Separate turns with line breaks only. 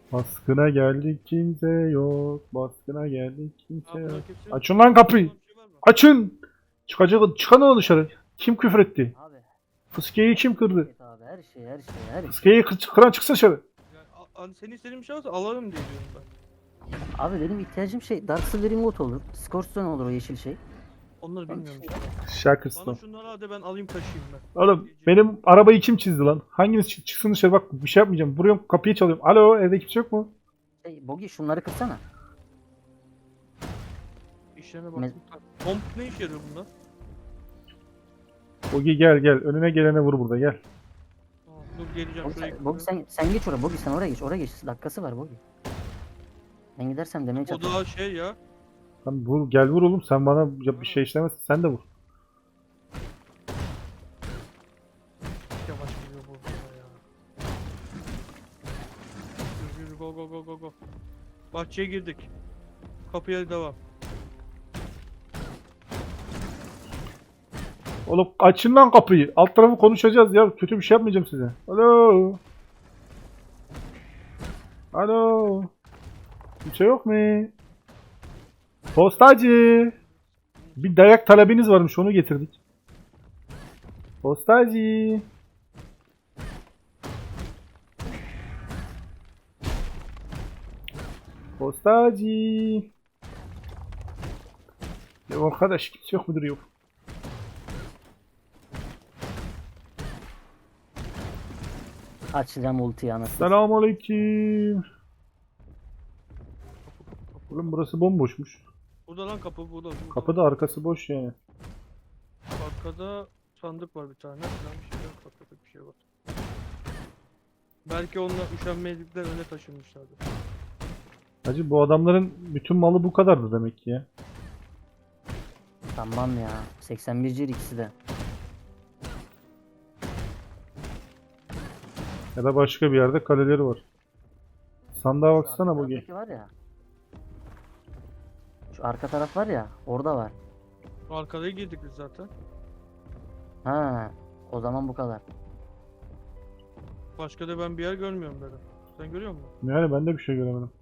Baskına geldik kimse yok. Baskına geldik kimse
Abi
yok.
bunlar kimse yok.
Açın lan kapıyı.
Bir şey var mı?
Açın. Çıkın lan dışarı. Kim küfür etti?
Abi.
Fıskiyeyi kim kırdı?
Evet abi her şey.
Fıskiyeyi kıran çıksın dışarı.
Yani, senin istediğin bir şey varsa alalım diye diyorum ben.
Abi benim ihtiyacım şey Dark Silver Remote olur. Scorpion olur o yeşil şey.
Onları
Onun
bilmiyorum.
dışında-
Bana
Şakırsın.
şunları hadi ben alayım taşıyayım ben.
Oğlum benim arabayı kim çizdi lan? Hanginiz çıksın dışarı, bak bir şey yapmayacağım. Vuruyorum, kapıyı çalıyorum. Alo, evde kimse yok mu?
Bogi şunları kırsana.
İşlerine baktım. Pomp ne işe yarıyor bunda?
Ogi gel gel. Önüne gelene vur burada, gel.
Tamam, dur geleceğim şuraya.
Bogi sen geç oraya. Bogi sen oraya geç. Dakikası var Bogi. Ben gidersem demeye
O
çalışıyorum.
daha şey ya.
Lan vur, gel vur oğlum. Sen bana bir şey işlemezsin. Sen de vur.
Yavaş gidiyor bu arada ya. Yürü go go go go go. Bahçeye girdik. Kapıya devam.
Oğlum açın lan kapıyı. Alt tarafı konuşacağız ya. Kötü bir şey yapmayacağım size. Alo. Alo. Kimse yok mu? Postacı. Bir dayak talebiniz varmış, onu getirdik. Postacı. Postacı. Ya arkadaş kimse yok mudur, yok.
Açacağım ultiyi anasını.
Selamünaleyküm. Oğlum burası bomboşmuş.
Burada lan kapı burada.
Kapıda arkası boş yani.
Arkada sandık var bir tane. Falan bir şey yok. Arkada bir şey var. Belki onunla üşenmezlikler öne taşınmışlardı.
Hacı bu adamların bütün malı bu kadardı demek ki ya.
Tamam ya. 81 cir ikisi de.
Ya da başka bir yerde kaleleri var. Sandığa baksana
Arka
bu.
taraftaki var ya. Şu arka taraf var ya. Orada var.
Arkaya girdik biz zaten.
Ha. O zaman bu kadar.
Başka da ben bir yer görmüyorum dedim. Sen görüyor musun?
Yani ben de bir şey göremedim.